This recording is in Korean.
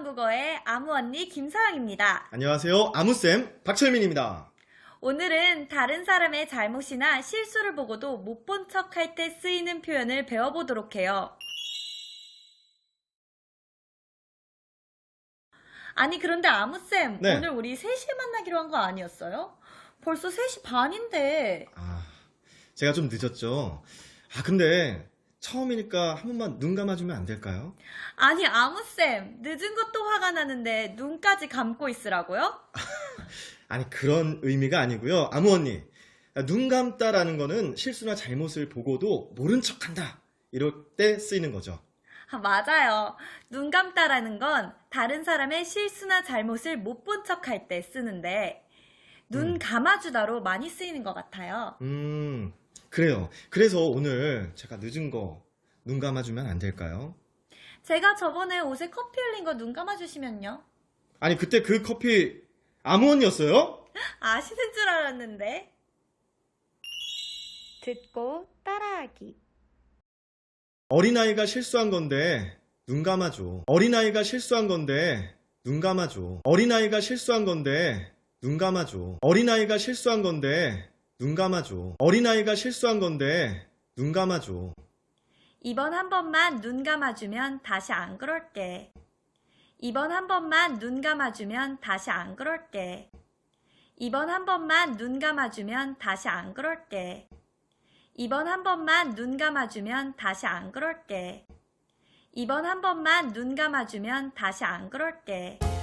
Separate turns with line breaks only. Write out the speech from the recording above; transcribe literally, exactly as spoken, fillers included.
한국어의 아무 언니 김서영입니다.
안녕하세요. 아무쌤 박철민입니다.
오늘은 다른 사람의 잘못이나 실수를 보고도 못 본 척 할 때 쓰이는 표현을 배워보도록 해요. 아니 그런데 아무쌤,
네.
오늘 우리 세 시에 만나기로 한 거 아니었어요? 벌써 세 시 반인데.
아, 제가 좀 늦었죠. 아, 근데 처음이니까 한 번만 눈 감아주면 안 될까요?
아니 아무쌤, 늦은 것도 화가 나는데 눈까지 감고 있으라고요?
아니, 그런 의미가 아니고요. 아무 언니, 눈 감다라는 거는 실수나 잘못을 보고도 모른 척한다. 이럴 때 쓰이는 거죠.
아, 맞아요. 눈 감다라는 건 다른 사람의 실수나 잘못을 못 본 척 할 때 쓰는데 눈
음.
감아주다로 많이 쓰이는 것 같아요.
음, 그래요. 그래서 오늘 제가 늦은 거 눈 감아주면 안 될까요?
제가 저번에 옷에 커피 흘린 거 눈 감아주시면요.
아니, 그때 그 커피 아무 언니였어요?
아시는 줄 알았는데. 듣고 따라하기.
어린아이가 실수한 건데 눈 감아줘. 어린아이가 실수한 건데 눈 감아줘. 어린아이가 실수한 건데 눈 감아줘. 어린아이가 실수한 건데 눈 감아줘. 어린아이가 실수한 건데 눈 감아줘.
이번 한 번만 눈 감아주면 다시 안 그럴게. 이번 한 번만 눈 감아주면 다시 안 그럴게. 이번 한 번만 눈 감아주면 다시 안 그럴게. 이번 한 번만 눈 감아주면 다시 안 그럴게. 이번 한 번만 눈 감아주면 다시 안 그럴게.